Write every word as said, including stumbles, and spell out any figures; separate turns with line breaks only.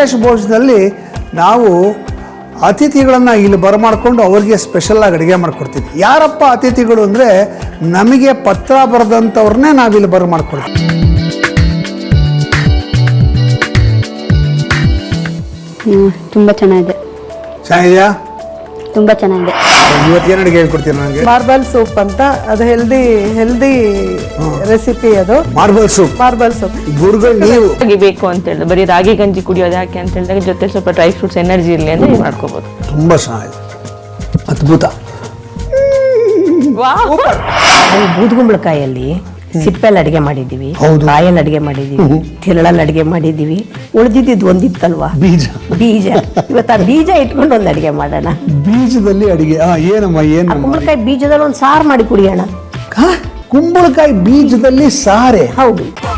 ವಿಶೇಷ ಭೋಜನದಲ್ಲಿ ನಾವು ಅತಿಥಿಗಳನ್ನು ಇಲ್ಲಿ ಬರಮಾಡಿಕೊಂಡು ಅವ್ರಿಗೆ ಸ್ಪೆಷಲಾಗಿ ಅಡುಗೆ ಮಾಡಿಕೊಡ್ತೀವಿ. ಯಾರಪ್ಪ ಅತಿಥಿಗಳು ಅಂದರೆ ನಮಗೆ ಪತ್ರ ಬರೆದಂಥವ್ರನ್ನೇ ನಾವಿಲ್ಲಿ ಬರಮಾಡ್ಕೊಳ್ತೀವಿ.
ತುಂಬ ಚೆನ್ನಾಗಿದೆ.
ಚೆನ್ನಾಗಿದೆಯಾ?
ತುಂಬ ಚೆನ್ನಾಗಿದೆ.
ಇವತ್ತೇನು ಅಡುಗೆ ಹೇಳ್ಕೊಡ್ತೀರಿ ನನಗೆ?
ಮಾರ್ಬಲ್ ಸೂಪ್ ಅಂತ, ಅದು ಹೆಲ್ದಿ ಹೆಲ್ದಿ ರೆಸಿಪಿ. ಅದು
ಮಾರ್ಬಲ್ ಸೂಪ್.
ಮಾರ್ಬಲ್ ಸೂಪ್
ಗುರುಗಳು ನೀವು
ಬೇಕು ಅಂತ ಹೇಳಿದ್ರೆ ಬರೀ ರಾಗಿ ಗಂಜಿ ಕುಡಿಯೋದು ಯಾಕೆ ಅಂತ ಹೇಳಿದಾಗ ಜೊತೆ ಸ್ವಲ್ಪ ಡ್ರೈ ಫ್ರೂಟ್ಸ್ ಎನರ್ಜಿ ಇರಲಿ ಅಂತ ನೀವು ಮಾಡ್ಕೋಬಹುದು.
ತುಂಬ ಚೆನ್ನಾಗಿದೆ, ಅದ್ಭುತ.
ನಾವು ಬೂದುಗುಂಬಳಕಾಯಲ್ಲಿ ಸಿಪ್ಪೆಲ್ಲಿ ಅಡಿಗೆ ಮಾಡಿದ್ದೀವಿ,
ಹೌದು.
ಕಾಯಲ್ಲಿ ಅಡಿಗೆ ಮಾಡಿದ್ದೀವಿ, ತಿರಳಲ್ಲಿ ಅಡಿಗೆ ಮಾಡಿದ್ದೀವಿ. ಉಳಿದಿದ್ದು ಒಂದಿತ್ತಲ್ವಾ
ಬೀಜ.
ಬೀಜ. ಇವತ್ತು ಆ ಬೀಜ ಇಟ್ಕೊಂಡು ಒಂದು ಅಡಿಗೆ ಮಾಡೋಣ.
ಬೀಜದಲ್ಲಿ ಅಡಿಗೆ. ಆ ಏನಮ್ಮ ಏನು?
ಕುಂಬಳಕಾಯಿ ಬೀಜದಲ್ಲಿ ಒಂದು ಸಾರು ಮಾಡಿ ಕುಡಿಯೋಣ.
ಕುಂಬಳಕಾಯಿ ಬೀಜದಲ್ಲಿ ಸಾರೆ?
ಹೌದು.